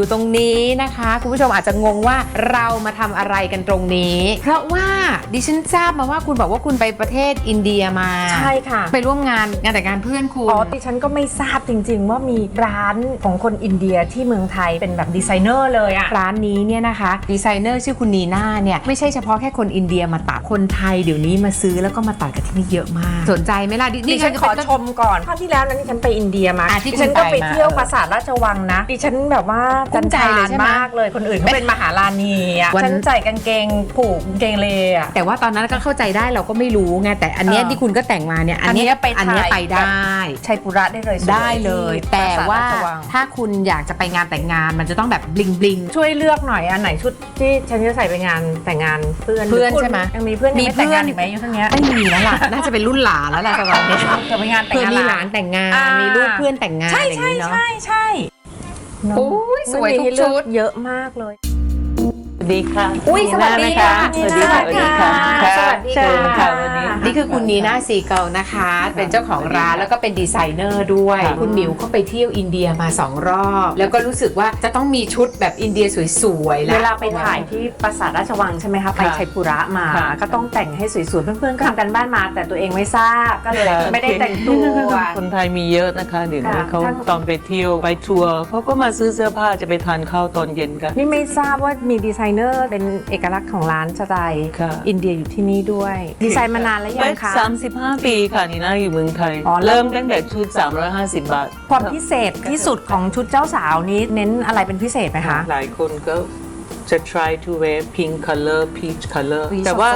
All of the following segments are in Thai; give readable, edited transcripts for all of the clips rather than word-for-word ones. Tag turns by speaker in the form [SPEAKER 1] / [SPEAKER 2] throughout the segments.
[SPEAKER 1] อยู่ตรงนี้นะคะคุณผู้ชมอาจจะงงว่าเรามาทำอะไรกันตรงนี้เพราะว่าดิฉันทราบมาว่าคุณบอกว่าคุณไปประเทศอินเดียมา
[SPEAKER 2] ใช่ค่ะ
[SPEAKER 1] ไปร่วมงานแต่งงานเพื่อนคุณ
[SPEAKER 2] ดิฉันก็ไม่ทราบจริงๆว่ามีร้านของคนอินเดียที่เมืองไทยเป็นแบบดีไซเนอร์เลยอะ
[SPEAKER 1] ร้านนี้เนี่ยนะคะดีไซเนอร์ชื่อคุณนีน่าเนี่ยไม่ใช่เฉพาะแค่คนอินเดียมาตัดคนไทยเดี๋ยวนี้มาซื้อแล้วก็มาตัดกันที่นี่เยอะมากสนใจไหมล่ะ
[SPEAKER 2] ดิฉันขอชมก่อนครั้งที่แล้วนั้นดิฉันไปอินเดียมาดิฉันก็ไปเที่ยวปราสาทราชวังนะดิฉันแบบว่าจันทานมากเลยคนอื่นเขาเป็นมหาราณีอ่ะฉันใส่กางเกงผูกกางเกงเลอ่ะ
[SPEAKER 1] แต่ว่าตอนนั้นก็เข้าใจได้เราก็ไม่รู้ไงแต่อันนี้ที่คุณก็แต่งมาเนี่ยอันนี้ไปได้
[SPEAKER 2] ชัยปุระได้
[SPEAKER 1] เลยแต่ว่าถ้าคุณอยากจะไปงานแต่งงานมันจะต้องแบบบลิงบลิง
[SPEAKER 2] ช่วยเลือกหน่อยอันไหนชุดที่ฉันจะใส่ไปงานแต่งงานเพื่อน
[SPEAKER 1] ใช่ไหม
[SPEAKER 2] ยังมีเพื่อนไม่แต่งงานอีกไหมอยู่ทั้งนี้
[SPEAKER 1] ไม่มีแล้วล่ะน่าจะเป็นรุ่นหลานแล้วล่ะตอนนี้
[SPEAKER 2] จะไปงานแต่งงาน
[SPEAKER 1] มีหลานแต่งงานมีลูกเพื่อนแต่งงานอย่างนี้เนาะ
[SPEAKER 2] ใช่
[SPEAKER 1] โอ้ยสวยทุกชุด
[SPEAKER 2] เยอะมากเลย
[SPEAKER 3] สวัสดีค่ะ
[SPEAKER 1] อุ้ยสวัสดีค่ะ
[SPEAKER 3] สวัสดีค่ะ
[SPEAKER 2] สวัสดีค่ะ
[SPEAKER 3] วันนี้
[SPEAKER 1] นี่คือคุณนีน่าซีเกิลนะคะเป็นเจ้าของร้านแล้วก็เป็นดีไซเนอร์ด้วยคุณหมิวเขาไปเที่ยวอินเดียมา2 รอบแล้วก็รู้สึกว่าจะต้องมีชุดแบบอินเดียสวยๆ
[SPEAKER 2] เวลาไปถ่ายที่ปราสาทราชวังใช่ไหมคะไปชัยปุระมาก็ต้องแต่งให้สวยๆเพื่อนๆก็ทำกันบ้านมาแต่ตัวเองไม่ทราบก็เลยไม่ได้แต่งตัว
[SPEAKER 3] คนไทยมีเยอะนะคะเดี๋ยวนี้เขาตอนไปเที่ยวไปทัวร์เขาก็มาซื้อเสื้อผ้าจะไปทานข้าวตอนเย็นกัน
[SPEAKER 2] นี่ไม่ทราบว่ามีดีไซเนอร์เป็นเอกลักษณ์ของร้านสไตล์อินเดียอยู่ที่นี่ด้วยดีไซน์มานานแล้วยังคะ
[SPEAKER 3] 35 ปีค่ะนี่น่าอยู่เมืองไทยเริ่มตั้งแต่ชุด350 บาท
[SPEAKER 2] ความพิเศษที่สุดของชุดเจ้าสาวนี้เน้นอะไรเป็นพิเศษไหมคะ
[SPEAKER 3] หลายคนก็จะ try to wear pink color peach color แต่ว่า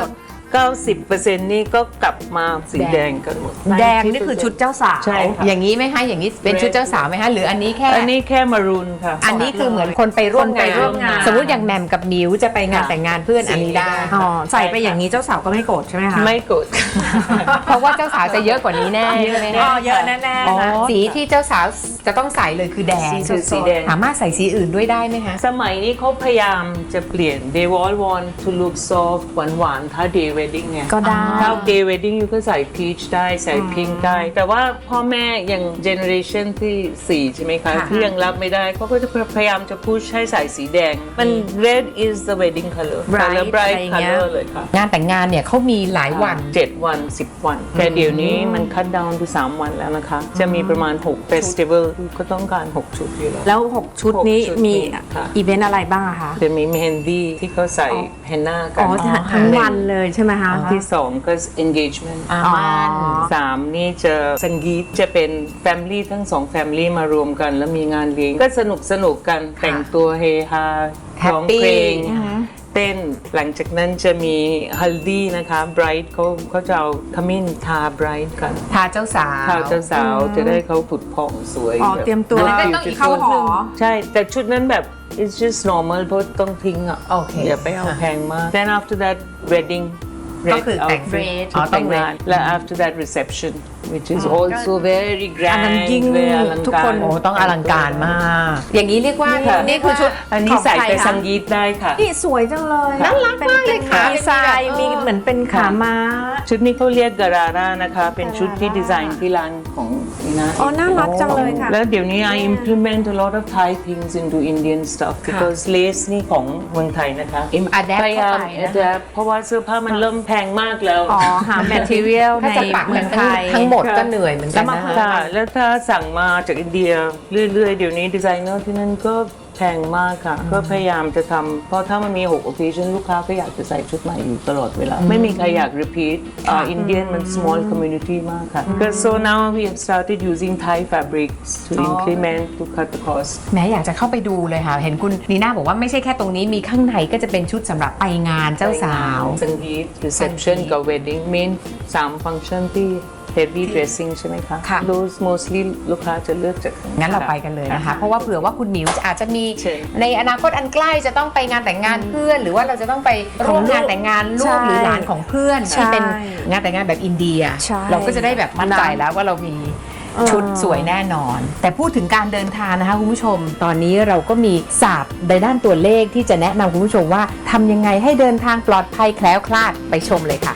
[SPEAKER 3] 90% นี่ก็กลับมาสีแดงกันหมด
[SPEAKER 2] แดงนี่คือชุดเจ้าสาว
[SPEAKER 3] ใช่
[SPEAKER 1] อย่างนี้ไหมคะอย่างนี้เป็นชุดเจ้าสาวไหมคะหรืออันนี้แค่
[SPEAKER 3] มารูนค่ะ
[SPEAKER 1] อันนี้คือเหมือนคนไปร่วมงานสมมติอย่างแหม่มกับมิวจะไปงานแต่งงานเพื่อนอันนี้ได้
[SPEAKER 2] ใส่ไปอย่างนี้เจ้าสาวก็ไม่โกรธใช่ไหมคะ
[SPEAKER 3] ไม่โกรธ
[SPEAKER 1] เพราะว่าเจ้าสาวจะเยอะกว่านี้แน่ใช่ไหมคะ
[SPEAKER 2] เยอะแน่ๆ
[SPEAKER 1] สีที่เจ้าสาวจะต้องใส่เลยคือแดง
[SPEAKER 3] สีแดง
[SPEAKER 1] สามารถใส่สีอื่นด้วยได้ไหมคะ
[SPEAKER 3] สมัยนี้เขาพยายามจะเปลี่ยน they all want to look soft หวานๆถ้า day wedding เนี่ย
[SPEAKER 2] ก็ได้
[SPEAKER 3] ถ้า day wedding อยู่ก็ใส่ peach ได้ใส่ pink ได้แต่ว่าพ่อแม่ยัง generation ที่4ใช่ไหมคะที่ยังรับไม่ได้เขาก็จะพยายามจะ push ให้ใส่สีแดงมัน red is the wedding color bright color เลยค่ะ
[SPEAKER 1] งานแต่งงานเนี่ยเขามีหลายวัน
[SPEAKER 3] 7 วัน 10 วันแต่เดี๋ยวนี้มัน cut down to 3 วันแล้วนะคะจะมีประมาณ6 festival ก็ต้องการ6 ชุดอยู่
[SPEAKER 2] แล้ว6 ชุดนี้มีอีเวนต์อะไรบ้างคะ
[SPEAKER 3] จะมี mehendi ที่เขาใส่ henna กัน
[SPEAKER 2] ทั้งวันเลยใช่ไหมคะ
[SPEAKER 3] ที่2ก็ engagement 3นี่จะสังกีตจะเป็น family ทั้ง2 family มารวมกันแล้วมีงานเลี้ยงก็สนุกกันแต่งตัวเฮฮาร้องเพลงเต้นหลังจากนั้นจะมีฮัลดีนะคะ bright เขาจะเอาขมิ้นทา bright กัน
[SPEAKER 1] ทาเจ้าสาว
[SPEAKER 3] จะได้เขาผุดผ่องสวย
[SPEAKER 2] เตรียมตัว
[SPEAKER 1] แล้วก็ต้องอีกเข้าหอ
[SPEAKER 3] ใช่แต่ชุดนั้นแบบ it's just normal เพราะต้องทิ้งอ่ะอย่าไปเอาแพงมาก then after that wedding
[SPEAKER 1] ก็คือแต่งเรด
[SPEAKER 3] แต่งงานและ after that reception which is also very grand
[SPEAKER 2] ทุกคน
[SPEAKER 1] ต้องอลังการมากอย่างนี้เรียกว่านี่คือชุด
[SPEAKER 3] อันนี้ใส่ไปสังกีตได้ค่ะ
[SPEAKER 2] นี่สวยจังเลย
[SPEAKER 1] น่ารักมากเลยค่ะ
[SPEAKER 2] ดีไซน์มีเหมือนเป็นขาม้า
[SPEAKER 3] ชุดนี้เขาเรียกการาร่านะคะเป็นชุดที่ดีไซน์ที่ร้านของนี่นะ
[SPEAKER 2] น่ารักจังเลยค่ะ
[SPEAKER 3] แล้วเดี๋ยวนี้ I implement a lot of Thai things into Indian stuff because lace นี่ของเมืองไทยนะคะพยายาม adapt เพราะว่าเสื้อผ้ามันเริ่มแพงมากแล้ว
[SPEAKER 2] หา material ในเมืองไทย
[SPEAKER 1] ทั้งหมดก็เหนื่อยเหมือนกัน
[SPEAKER 3] นะคะแล้วถ้าสั่งมาจากอินเดียเรื่อยๆเดี๋ยวนี้ดีไซเนอร์ที่นั่นก็แพงมากค่ะก็พยายามจะทำเพราะถ้ามันมี6 occasion ลูกค้าก็อยากจะใส่ชุดใหม่อยู่ตลอดเวลาไม่มีใครอยาก repeat Indian มัน small community มากค่ะ so now we have started using Thai fabrics to implement to cut the cost
[SPEAKER 1] แม้อยากจะเข้าไปดูเลยค่ะเห็นคุณนีน่าบอกว่าไม่ใช่แค่ตรงนี้มีข้างในก็จะเป็นชุดสำหรับไปงานเจ้าสาว
[SPEAKER 3] สังกีต reception กับ wedding main 3 function ที่heavy dressing ใช่ไหมคะ those mostly ลูกค้าจะเลือกจาก
[SPEAKER 1] งั้นเราไปกันเลยนะคะเพราะว่าเผื่อว่าคุณหมิวอาจจะมีในอนาคตอันใกล้จะต้องไปงานแต่งงานเพื่อนหรือว่าเราจะต้องไปร่วมงานแต่งงานลูกหรือหลานของเพื่อนที่เป็นงานแต่งงานแบบอินเดียเราก็จะได้แบบมั่นใจแล้วว่าเรามีชุดสวยแน่นอนแต่พูดถึงการเดินทางนะคะคุณผู้ชมตอนนี้เราก็มีศาสตร์ในด้านตัวเลขที่จะแนะนำคุณผู้ชมว่าทำยังไงให้เดินทางปลอดภัยแคล้วคลาดไปชมเลยค่ะ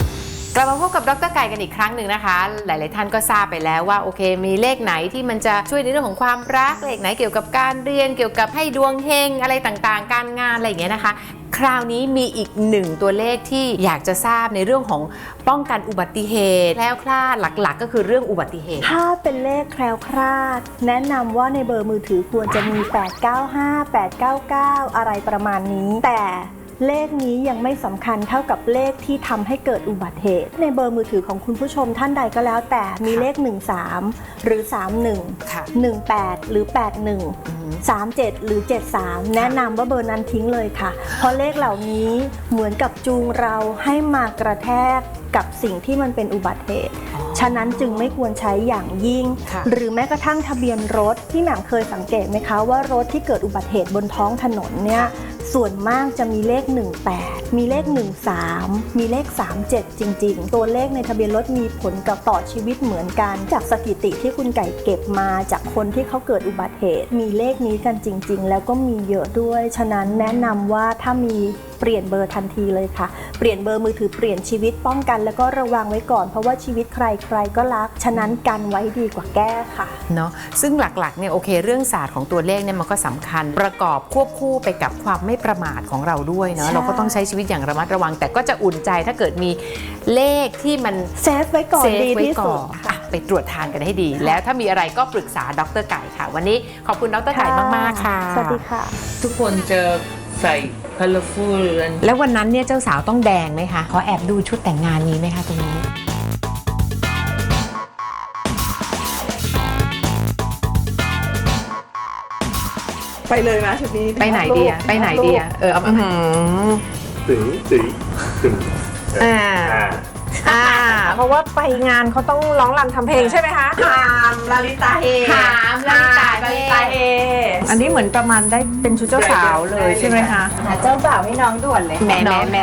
[SPEAKER 1] กลับมาพบกับดร.ไก่กันอีกครั้งหนึ่งนะคะหลายๆท่านก็ทราบไปแล้วว่าโอเคมีเลขไหนที่มันจะช่วยในเรื่องของความรักเลขไหนเกี่ยวกับการเรียนเกี่ยวกับให้ดวงเฮงอะไรต่างๆการงานอะไรอย่างเงี้ยนะคะคราวนี้มีอีกหนึ่งตัวเลขที่อยากจะทราบในเรื่องของป้องกันอุบัติเหตุแคล้วคลาดหลักๆก็คือเรื่องอุบัติเหตุ
[SPEAKER 4] ถ้าเป็นเลขแคล้วคลาดแนะนำว่าในเบอร์มือถือควรจะมี 895 899 อะไรประมาณนี้ แต่เลขนี้ยังไม่สำคัญเท่ากับเลขที่ทำให้เกิดอุบัติเหตุในเบอร์มือถือของคุณผู้ชมท่านใดก็แล้วแต่มีเลข 13 หรือ 31 18 หรือ 81 37 หรือ 73 แนะนำว่าเบอร์นั้นทิ้งเลยค่ะเพราะเลขเหล่านี้เหมือนกับจูงเราให้มากระแทกกับสิ่งที่มันเป็นอุบัติเหตุฉะนั้นจึงไม่ควรใช้อย่างยิ่งหรือแม้กระทั่งทะเบียนรถที่แหม่มเคยสังเกตไหมคะว่ารถที่เกิดอุบัติเหตุบนท้องถนนเนี่ยส่วนมากจะมีเลข 18 มีเลข 13 มีเลข 37 จริงๆตัวเลขในทะเบียนรถมีผลกับต่อชีวิตเหมือนกันจากสถิติที่คุณไก่เก็บมาจากคนที่เขาเกิดอุบัติเหตุมีเลขนี้กันจริงๆแล้วก็มีเยอะด้วยฉะนั้นแนะนำว่าถ้ามีเปลี่ยนเบอร์ทันทีเลยค่ะเปลี่ยนเบอร์มือถือเปลี่ยนชีวิตป้องกันแล้วก็ระวังไว้ก่อนเพราะว่าชีวิตใครๆก็รักฉะนั้นกันไว้ดีกว่าแก้ค่ะ
[SPEAKER 1] เนาะซึ่งหลักๆเนี่ยโอเคเรื่องศาสตร์ของตัวเลขเนี่ยมันก็สำคัญประกอบควบคู่ไปกับความไม่ประมาทของเราด้วยเนาะเราก็ต้องใช้ชีวิตอย่างระมัดระวังแต่ก็จะอุ่นใจถ้าเกิดมีเลขที่มัน
[SPEAKER 4] เซฟไว้ก่อนดีที่สุด
[SPEAKER 1] ไปตรวจทานกันให้ดีแล้วถ้ามีอะไรก็ปรึกษาดร.ไก่ค่ะวันนี้ขอบคุณดร.ไก่มากๆค่ะ
[SPEAKER 4] สวัสดีค่ะ
[SPEAKER 3] ทุกคนจะใส่ colorful
[SPEAKER 1] แล้ววันนั้นเนี่ยเจ้าสาวต้องแดงไหมคะขอแอบดูชุดแต่งงานนี้ไหมคะตรงนี้
[SPEAKER 2] ไปเลยนะชุดนี้
[SPEAKER 1] ไปไหนดีไปไหนดีเอามา
[SPEAKER 5] ตึง
[SPEAKER 2] เพราะว่าไปงานเขาต้องร้องรำทำเพลงใช่ไหมคะหามลาลิตาเฮ
[SPEAKER 1] หามลาลิตาเฮ
[SPEAKER 2] อันนี้เหมือนประมาณได้เป็นชุดเจ้าสาวเลยใช่ไหมคะ
[SPEAKER 4] เจ้าบ่าวให้น้องด่วนเลย
[SPEAKER 1] แม่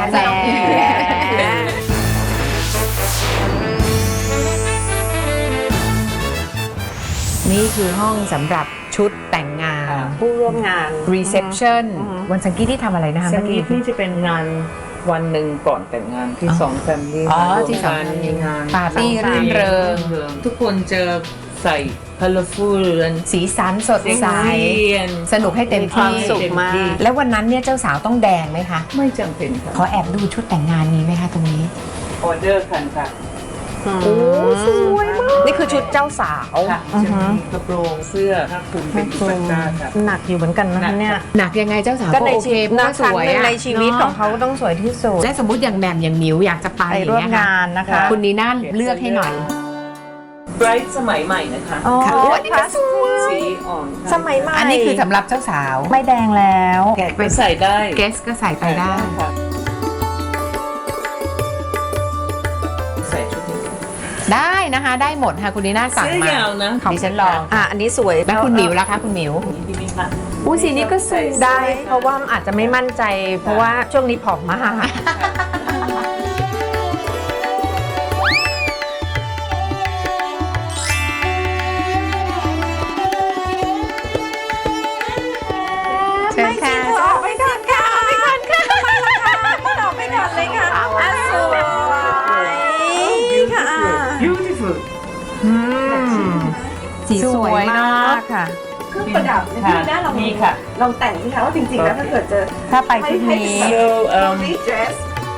[SPEAKER 1] นี่คือห้องสำหรับชุดแต่งงาน
[SPEAKER 2] ผู้ร่วมงาน
[SPEAKER 1] reception วันสังกีที่ทำอะไรนะคะ
[SPEAKER 3] สังกีที่จะเป็นงานวันหนึ่งก่อนแต่งงานที่2 family
[SPEAKER 1] ที่สอง
[SPEAKER 3] มีงาน
[SPEAKER 1] ปาร์ตี้รื่นเริง
[SPEAKER 3] ทุกคนจะใส่ colorful
[SPEAKER 1] สีสันสดใสสนุกให้เต็มที่
[SPEAKER 2] สุขมาก
[SPEAKER 1] แล้ววันนั้นเนี่ยเจ้าสาวต้องแดงไหมคะ
[SPEAKER 3] ไม่จำเป็นค่ะ
[SPEAKER 1] ขอแอบดูชุดแต่งงานนี้ไหมคะตรงนี้
[SPEAKER 3] ออเดอร์กันค่ะ
[SPEAKER 2] โอ้สวยมากนี่คือชุดเจ้าสาว
[SPEAKER 3] จะมีกระโปรงเสื้อถ้าคุณเป็นอิสระค่ะ
[SPEAKER 2] หนักอยู่เหมือนกันนะเนี่ย
[SPEAKER 1] หนักยังไงเจ้าสาว
[SPEAKER 2] ก็โอเคน่าสวยในชีวิตของเขาต้องสวยที่สุด
[SPEAKER 1] และสมมติอย่างแหม่มอย่างมิวอยากจะไป
[SPEAKER 2] ร่วมงานนะคะ
[SPEAKER 1] คุณนีน่าเลือกให้หน่อย
[SPEAKER 3] ไบรท์สมัยใหม่นะคะ
[SPEAKER 1] ค่ะอันนี้ก็สวย
[SPEAKER 3] สีอ่อน
[SPEAKER 2] สมัยใหม่
[SPEAKER 1] อันนี้คือสำหรับเจ้าสาว
[SPEAKER 2] ไม่แดงแล้ว
[SPEAKER 3] ไปใส่ได้
[SPEAKER 1] เกสก็ใส่ไปได้ได้นะคะได้หมดค่ะคุณนีน่าสั่งมาดิฉันลอง
[SPEAKER 2] อันนี้สวย
[SPEAKER 1] แล้วคุณหมิวล่ะคะคุณหมิว
[SPEAKER 2] สีนี้ก็สวยได้เพราะว่าอาจจะไม่มั่นใจเพราะว่าช่วงนี้ผอมมาก
[SPEAKER 1] เชิญค่ะ
[SPEAKER 2] ไปก่อนค่ะไปก่อนค่ะมาต่อไปก่อนเลยค่ะสวยค่ะ
[SPEAKER 3] beautiful
[SPEAKER 2] สีสวยมากค่ะ
[SPEAKER 4] เครื่องประดับที่หน้าเรามี
[SPEAKER 3] ค่ะ
[SPEAKER 4] ลองแต่งสิคะว่าจริงๆแล้วถ้าเกิดเจอ
[SPEAKER 2] ถ้าไปที่นี้
[SPEAKER 4] dress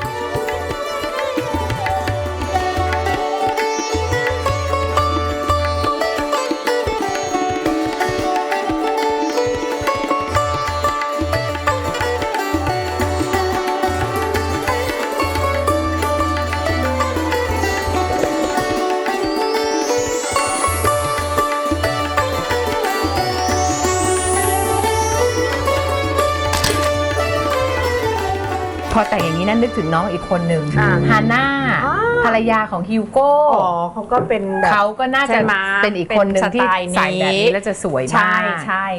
[SPEAKER 1] พอแต่งอย่างนี้นั่นนึกถึงน้องอีกคนหนึ่งฮาน่าภรรยาของฮิวโก้
[SPEAKER 2] เขาก็เป็น
[SPEAKER 1] เขาก็น่าจะเป็นอีกคนหนึ่งที่ใส่แบบนี้แล้วจะสวยมาก
[SPEAKER 2] ใช่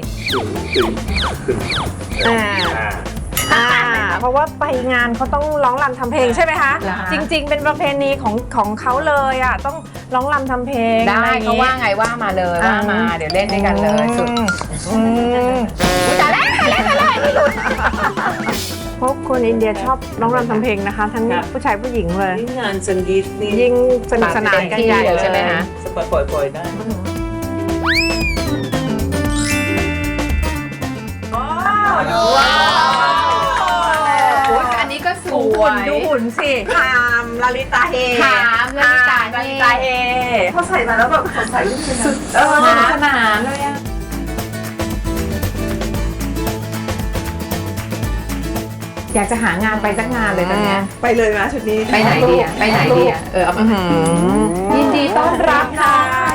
[SPEAKER 2] เพราะว่าไปงานเขาต้องร้องรำทำเพลงใช่ไหมคะจริงๆเป็นประเพณีของเขาเลยอ่ะต้องร้องรำทำเพลง
[SPEAKER 1] ได้เขาว่าไงว่ามาเลยว่ามาเดี๋ยวเล่นด้วยกันเลยสุดแต่แรก
[SPEAKER 2] เพราะคนอินเดียชอบร้องรำทำเพลงนะคะ ทั้งผู้ชายผู้หญิงเลย
[SPEAKER 3] งานสังกีตนี่
[SPEAKER 2] ยิ่งสนุกสนานกันใหญ่เลย
[SPEAKER 1] ใช่ไหมคะ
[SPEAKER 3] สปล่อยๆได้
[SPEAKER 1] ว้าวอันนี้ก็สวย
[SPEAKER 2] ดูหุ่นสิถามลลิตาเฮ
[SPEAKER 1] ถามลลิตาเฮ
[SPEAKER 2] ลลิตาเฮพอใส่มาแล้วแบบสดใสสุดสนุกสนานเลยอะ
[SPEAKER 1] อยากจะหางานไปสักงานเลยตอนเนี้ย
[SPEAKER 2] ไปเลยนะชุดนี้
[SPEAKER 1] ไปไหนดีอะไปไหนดีอะเอามายินดีต้อนรับค่ะ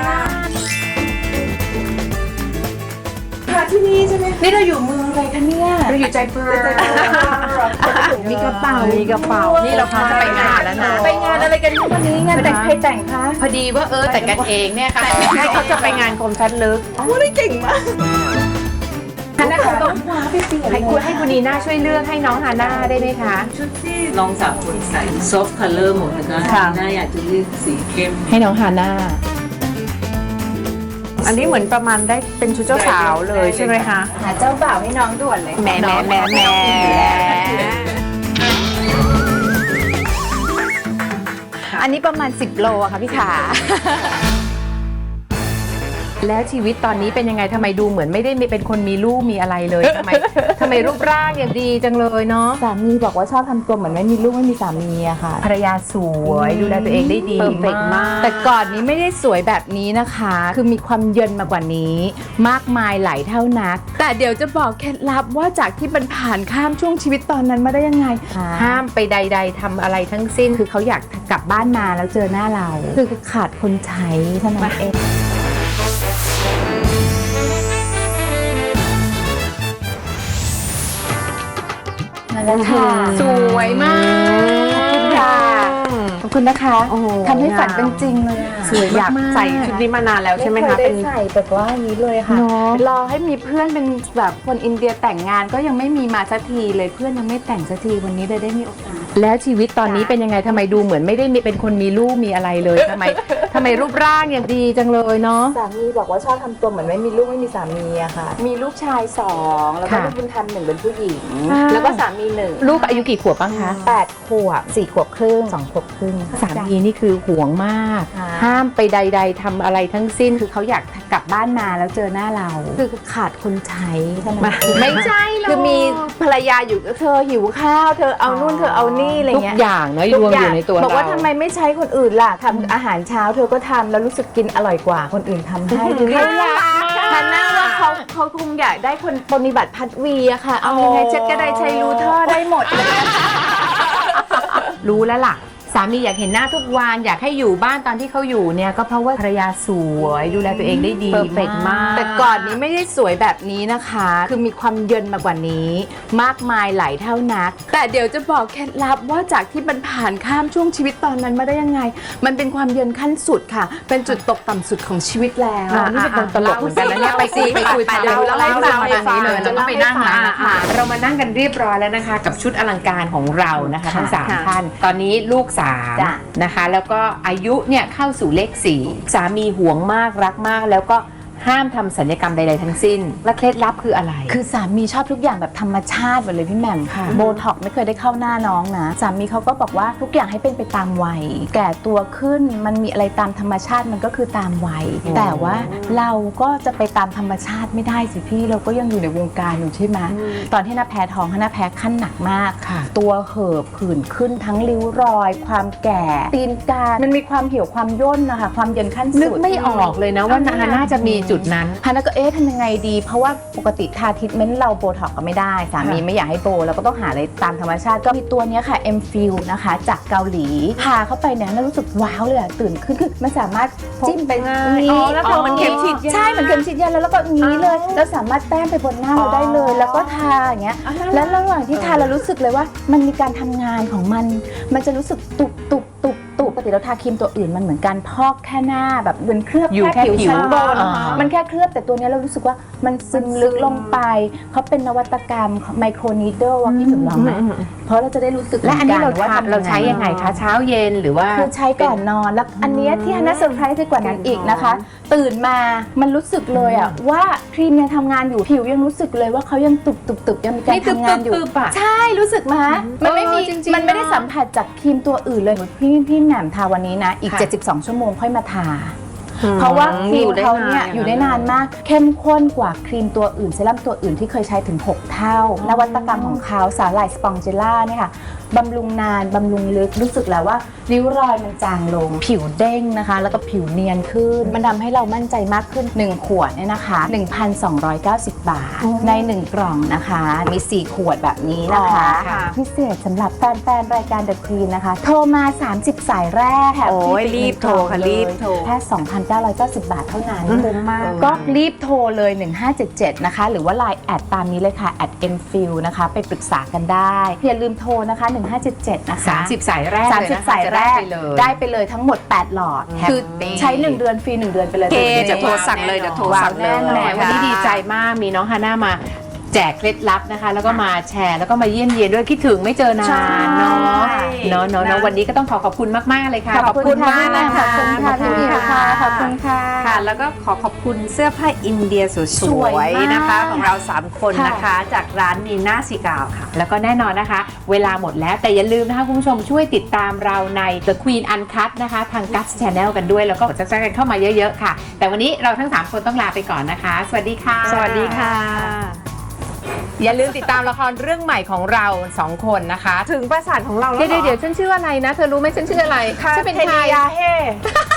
[SPEAKER 2] ที่นี่ใช่ไหม
[SPEAKER 1] นี่เราอยู่เมืองอะไรคะเนี่ยเราอยู่ใจเปอร์มีกระเป๋า
[SPEAKER 2] มีกระเป๋า
[SPEAKER 1] นี่เราพร้อมจะไปงานแล้วนะ
[SPEAKER 2] ไปงานอะไรกันวันนี้งานแต่งใครแต่งคะ
[SPEAKER 1] พอดีว่าแต่งกันเองเนี่ยค่ะ
[SPEAKER 2] ใช่เขาจะไปงานกรมชัดลึกว่าได้เก่งมาก
[SPEAKER 1] ฮาน่าคงต้องให้คุณนีน่าช่วยเลือกให้น้องฮาน่าได้ไหมคะ
[SPEAKER 3] ชุดที่น้องสาวคนใส่ soft color หมดนะคะน่าอยากจะเลือกสีเข้ม
[SPEAKER 1] ให้น้องฮาน่า
[SPEAKER 2] อันนี้เหมือนประมาณได้เป็นชุดเจ้าสาวเลยใช่ไหมคะ
[SPEAKER 1] หาเจ้าบ่าวให้น้องด่วนเลย
[SPEAKER 2] แหมอันนี้ประมาณ10 โลอะค่ะพี่ขา
[SPEAKER 1] แล้วชีวิตตอนนี้เป็นยังไงทำไมดูเหมือนไม่ได้เป็นคนมีลูกมีอะไรเลยทำไมรูปร่างอย่างดีจังเลยเนาะ
[SPEAKER 6] สามีบอกว่าชอบทำตัวเหมือนไม่มีลูกไม่มีสามีอะค่ะ
[SPEAKER 1] ภรรยาสวยดูแลตัวเองได้ดี
[SPEAKER 2] เพอร์เฟกต์มาก
[SPEAKER 6] แต่ก่อนนี้ไม่ได้สวยแบบนี้นะคะ คือมีความเยินมากกว่านี้ มากมายหลายเท่านัก แต่เดี๋ยวจะบอกเคล็ดลับว่าจากที่มันผ่านข้ามช่วงชีวิตตอนนั้นมาได้ยังไง
[SPEAKER 1] ห้ามไปใด ๆทำอะไรทั้งสิ้น
[SPEAKER 6] คือเขาอยากกลับบ้านมาแล้วเจอหน้าเรา คือขาดคนใช้เท่านั้นเอง แล้วค่ะ
[SPEAKER 1] สวยมาก
[SPEAKER 6] ขอบคุณนะคะทำให้ฝันเป็นจริงเลยอะ
[SPEAKER 2] สวยอยากใส่ชุดนี้มานานแล้วใช่ไหมคะ
[SPEAKER 6] ไม่เคยได้ใส่แบบว่าอย่างนี้เลยค่ะรอให้มีเพื่อนเป็นแบบคนอินเดียแต่งงานก็ยังไม่มีมาสักทีเลยเพื่อนยังไม่แต่งสักทีวันนี้เลยได้มีโอกาส
[SPEAKER 1] แล้วชีวิตตอนนี้เป็นยังไงทำไมดูเหมือนไม่ได้เป็นคนมีลูกมีอะไรเลยทำไมรูปร่างอย่างดีจังเลยเนาะ
[SPEAKER 6] สามีบอกว่าชอบทำตัวเหมือนไม่มีลูกไม่มีสามีอะค่ะ มีลูกชาย2แล้วก็
[SPEAKER 1] ค่ะ
[SPEAKER 6] ลูกบุญธรรม1เป็นผู้หญิง แล้วก็สามี1
[SPEAKER 1] ลูกอายุกี่ขวบบ้างคะ
[SPEAKER 6] 8 ขวบ 4 ขวบครึ่ง 2 ขวบครึ่ง
[SPEAKER 1] สามีนี่คือห่วงมาก
[SPEAKER 6] ค่ะ
[SPEAKER 1] ห้ามไปใด ๆทำอะไรทั้งสิ้น
[SPEAKER 6] คือเขาอยากกลับบ้านมาแล้วเจอหน้าเรา คือขาดคนใช้เท่านั้นเอง
[SPEAKER 1] ไม่ใช่หรอก
[SPEAKER 6] คือมีภรรยาอยู่เธอหิวข้าวเธอเอานู่นเธอเอานี่อะไร
[SPEAKER 1] ทุก
[SPEAKER 6] เงี้ย
[SPEAKER 1] อย่างเนาะรวมอยู่ในตัว
[SPEAKER 6] บอกว่า
[SPEAKER 1] เรา
[SPEAKER 6] ทำไมไม่ใช้คนอื่นล่ะทำอาหารเช้าเธอก็ทำแล้วรู้สึกกินอร่อยกว่าคนอื่นทำให้ดูน่ารักฮันน่าว่าเขาคงอยากได้คนปฏิบัติพัดวีอะค่ะ เอายังไงเช็ดกระไดใช้รูเทอร์ได้หมดเลย
[SPEAKER 1] รู้แล้วล่ะ สามีอยากเห็นหน้าทุกวันอยากให้อยู่บ้านตอนที่เขาอยู่เนี่ยก็เพราะว่าภรรยาสวยดูแลตัวเองได้ดี
[SPEAKER 2] เพอร์เฟกต์มาก
[SPEAKER 6] แต่ก่อนนี้ไม่ได้สวยแบบนี้นะคะ คือมีความเยินมากกว่านี้ มากมายหลายเท่านัก แต่เดี๋ยวจะบอกเคล็ดลับว่าจากที่มันผ่านข้ามช่วงชีวิตตอนนั้นมาได้ยังไง มันเป็นความเยินขั้นสุดค่ะ เป็นจุดตกต่ำสุดของชีวิตแล้ว
[SPEAKER 1] นี่เป็นคนตลกเหมือนกันนะเนี่ยไปคุย
[SPEAKER 6] เดี๋ยวเราให้ฟัง
[SPEAKER 1] แบบนี้เลยแล้วก็ไปนั่งร้านอาหารเรามานั่งกันเรียบร้อยแล้วนะคะ กับชุดอลังการของเรานะคะทั้งสามท่านตอนนี้ลูก3นะคะแล้วก็อายุเนี่ยเข้าสู่เลข4สามีห่วงมากรักมากแล้วก็ห้ามทำศัลยกรรมใดๆทั้งสิ้นและเคล็ดลับคืออะไร
[SPEAKER 6] คือสามีชอบทุกอย่างแบบธรรมชาติหมดเลยพี่แหม่มค่ะโบท็อกไม่เคยได้เข้าหน้าน้องนะสามีเขาก็บอกว่าทุกอย่างให้เป็นไปตามวัยแก่ตัวขึ้นมันมีอะไรตามธรรมชาติมันก็คือตามวัยแต่ว่าเราก็จะไปตามธรรมชาติไม่ได้สิพี่เราก็ยังอยู่ในวงการอยู่ใช่ไหมตอนที่น้าแพ้ท้องน้าแพ้ขั้นหนักมาก
[SPEAKER 1] ค่ะ
[SPEAKER 6] ตัวเห่อะผื่นขึ้นทั้งริ้วรอย ความแก่ตีนกามันมีความเหี่ยวความย่นนะคะความเย็นขั้นสุด
[SPEAKER 1] นึกไม่ออกเลยนะว่าน่าจะมีจุดนั้น
[SPEAKER 6] ฮาน่าก็ทำยังไงดีเพราะว่าปกติทาทรีทเมนต์เราโบท็อกก็ไม่ได้สามีไม่อยากให้โบเราก็ต้องหาอะไรตามธรรมชาติก็มีตัวเนี้ยค่ะ M-Fill นะคะจากเกาหลีทาเข้าไปเนี่ยน่ารู้สึกว้าวเลยอะตื่นขึ้นคือมันสามารถจิ้มไป
[SPEAKER 2] อ๋อแล้วเธอมันเข็มฉีดยา
[SPEAKER 6] ใช่เหมือนเข็มฉีดยาแล้วก็งี้เลยแล้วสามารถแต้มไปบนหน้าเราได้เลย แล้วก็ทาอย่างเงี้ยแล้วระหว่างที่ทาเรารู้สึกเลยว่ามันมีการทำงานของมันจะรู้สึกตุบตุปกติเราทาครีมตัวอื่นมันเหมือนการพอกแค่หน้าแบบเหมือนเคลือบ
[SPEAKER 1] อยู่
[SPEAKER 6] แค่
[SPEAKER 1] แค่ผิ
[SPEAKER 6] ผิว
[SPEAKER 1] ว
[SPEAKER 6] ชั้นบน
[SPEAKER 1] อ่ามั
[SPEAKER 6] มันแค่เคลือบแต่ตัวเนี้ยเรารู้สึกว่ามันซึมลึกลงไปเขาเป็นนวัตกรรมไมโครนีเดิลว่าพี่ถึงลองไหมเพราะเราจะได้รู้สึก
[SPEAKER 1] และอันนี้เรา
[SPEAKER 6] ว่าทำ
[SPEAKER 1] เราใช้ยังไงคะเช้าเย็นหรือว่า
[SPEAKER 6] คือใช้ก่อนนอนแล้วอันเนี้ยที่ฮันน่าเซอร์ไพรส์ไปกว่านั้นอีกนะคะ ตื่นมามันรู้สึกเลยอะว่าครีมยังทำงานอยู่ผิวยังรู้สึกเลยว่าเขายังตุบๆยังมีการ
[SPEAKER 1] นี่
[SPEAKER 6] ทำงานอยู่
[SPEAKER 1] ตึบๆอะ
[SPEAKER 6] ใช่รู้สึกมามันไม่มี
[SPEAKER 1] จริงๆ
[SPEAKER 6] มันไม่ได้สัมผัสจากครีมตัวอื่นเลยพี่แหม่มทาวันนี้นะอีก
[SPEAKER 1] ค่ะ
[SPEAKER 6] 72 ชั่วโมงค่อยมาทา เพราะว่าครีมเขาเนี่ยอยู่ได้นานมากเข้มข้นกว่าครีมตัวอื่นเซรั่มตัวอื่นที่เคยใช้ถึง 6 เท่านวัตกรรมของเขาสาหร่ายสปองเจล่าเนี่ยค่ะบำรุงนานบำรุงลึกรู้สึกแล้วว่าริ้วรอยมันจางลงผิวเด้งนะคะ แล้วก็ผิวเนียนขึ้น มันทำให้เรามั่นใจมากขึ้น 1 ขวดเนี่ยนะคะ 1,290 บาท ใน 1 กล่องนะคะ มี 4 ขวดแบบนี้นะคะ
[SPEAKER 2] ค่ะ
[SPEAKER 6] พิเศษสำหรับแฟนๆรายการ The Queen นะคะ โทรมา 30 สายแรกแถม
[SPEAKER 2] โอ้ย
[SPEAKER 6] ฟ
[SPEAKER 2] รีบโทรค่ะรีบโทร
[SPEAKER 6] แค่ 2,990 บาทเท่านั้น
[SPEAKER 2] คุ้มมาก
[SPEAKER 6] ก็รีบโทรเลย 1577 นะคะ หรือว่า Line แอดตามนี้เลยค่ะ @mfil นะคะ ไปปรึกษากันได้ อย่าลืมโทรนะคะ 1577 นะคะ
[SPEAKER 1] 30 สายแรกเลยนะคะ
[SPEAKER 6] 30 สายแรก
[SPEAKER 1] จะได้ไปเลย
[SPEAKER 6] ได้ไปเลยทั้งหมด 8 หลอด คือ
[SPEAKER 1] Happy
[SPEAKER 6] ใช้ 1 เดือนฟรี 1 เดือนไปเลย
[SPEAKER 2] เก
[SPEAKER 6] ดี๋ยว
[SPEAKER 2] จะโทรสั่งเลยเดี๋ยวโทรสั่งเลย
[SPEAKER 1] แหมวันนี้ดีใจมากมีน้องฮาน่ามาแจกเคล็ดลับนะคะ แล้วก็มาแชร์แล้วก็มาเยี่ยมเยียนด้วยคิดถึงไม่เจอนา
[SPEAKER 2] ใช่
[SPEAKER 1] นเนาะเนาะวันนี้ก็ต้องขอบคุณมากๆเลยค่ะ
[SPEAKER 6] ขอบคุณมากนะคะ
[SPEAKER 2] ขอบคุณค่ะ
[SPEAKER 6] พี่หมิวค่ะขอบคุณค่ะ
[SPEAKER 2] ค่ะ แล้วก็ขอบคุณเสื้อผ้าอินเดียส
[SPEAKER 6] สว
[SPEAKER 2] วย ย
[SPEAKER 6] มาก
[SPEAKER 2] ๆนะคะ ของเรา 3 คน
[SPEAKER 6] ค่ะ
[SPEAKER 2] นะคะ จากร้านนีน่าซิกาวค่ะ
[SPEAKER 1] แล้วก็แน่นอนนะคะ เวลาหมดแล้วแต่อย่าลืมนะคะคุณผู้ชมช่วยติดตามเราใน The Queen Uncut นะคะทาง Guts Channel กันด้วยแล้วก็กด Subscribe กันเข้ามาเยอะๆค่ะ แต่วันนี้เราทั้ง 3 คนต้องลาไปก่อนนะคะ สวัสดีค่ะ
[SPEAKER 2] สวัสดีค่ะ
[SPEAKER 1] อย่าลืมติดตามละครเรื่องใหม่ของเรา 2 คนนะคะ
[SPEAKER 2] ถึงประสาทของเราแล้ว
[SPEAKER 1] เดี๋ยวฉันชื่ออะไรนะ เธอรู้ไหมฉันชื่ออะไร
[SPEAKER 2] ค่ะ
[SPEAKER 1] ฉันเป็น
[SPEAKER 2] เท
[SPEAKER 1] ใคร
[SPEAKER 2] นียาเฮ